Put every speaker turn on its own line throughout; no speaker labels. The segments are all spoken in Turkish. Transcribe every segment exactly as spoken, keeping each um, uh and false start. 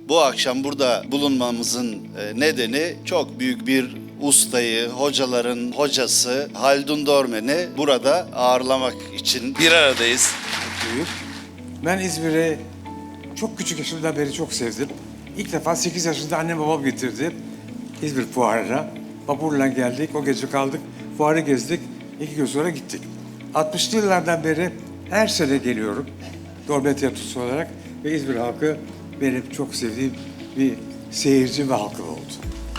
Bu akşam burada bulunmamızın e, nedeni çok büyük bir ustayı, hocaların hocası Haldun Dormen'i burada ağırlamak için bir aradayız.
Büyük. Ben İzmir'i çok küçük yaşımdan beri çok sevdim. İlk defa sekiz yaşında annem babam getirdi İzmir fuarına. Vapurla geldik, o gece kaldık, fuarı gezdik, iki gün sonra gittik. altmışlı yıllardan beri her sene geliyorum Dormen Tiyatrosu olarak ve İzmir halkı benim çok sevdiğim bir seyirci ve halkım oldu.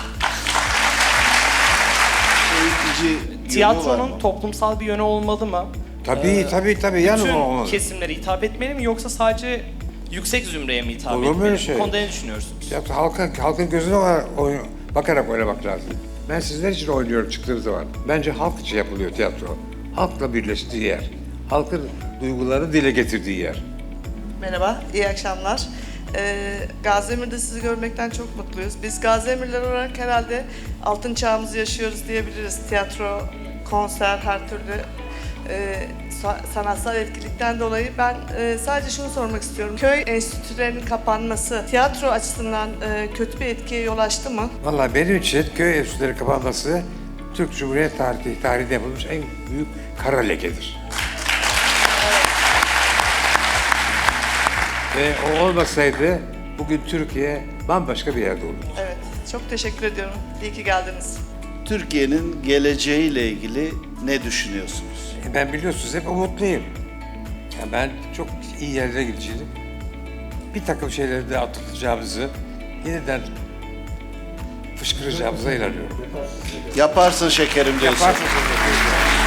Eğitici yönü var
Tiyatronun
mı?
toplumsal bir yönü olmalı mı?
Tabii
Ee,
tabii tabii yanım
Bütün
olmalı.
kesimlere hitap etmeli mi yoksa sadece yüksek zümreye mi hitap
Olur mu
etmeli?
öyle şey?
Bu konuda ne düşünüyorsunuz?
Ya, halkın, halkın gözüne var- oyun- bakarak oynamak lazım. Ben sizler için oynuyorum çıktığım zaman. Bence halk için yapılıyor tiyatro. Halkla birleştiği yer. Halkın duyguları dile getirdiği yer.
Merhaba, iyi akşamlar. Ee, Gaziemir'de sizi görmekten çok mutluyuz. Biz Gaziemirler olarak herhalde altın çağımızı yaşıyoruz diyebiliriz. Tiyatro, konser, her türlü e, sa- sanatsal etkilikten dolayı ben e, sadece şunu sormak istiyorum. Köy enstitülerinin kapanması tiyatro açısından e, kötü bir etkiye yol açtı mı?
Vallahi benim için köy enstitüleri kapanması Türk Cumhuriyet tarihi, tarihinde yapılmış en büyük kara lekedir. Ve o olmasaydı bugün Türkiye bambaşka bir yerde olurdu.
Evet, çok teşekkür ediyorum. İyi ki geldiniz.
Türkiye'nin geleceğiyle ilgili ne düşünüyorsunuz?
E ben biliyorsunuz hep umutluyum. Yani ben çok iyi yerlere gideceğim. Bir takım şeyleri de atlatacağımızı, yeniden fışkıracağımıza inanıyorum.
Yaparsın şekerim diyorsun.
Yaparsınız.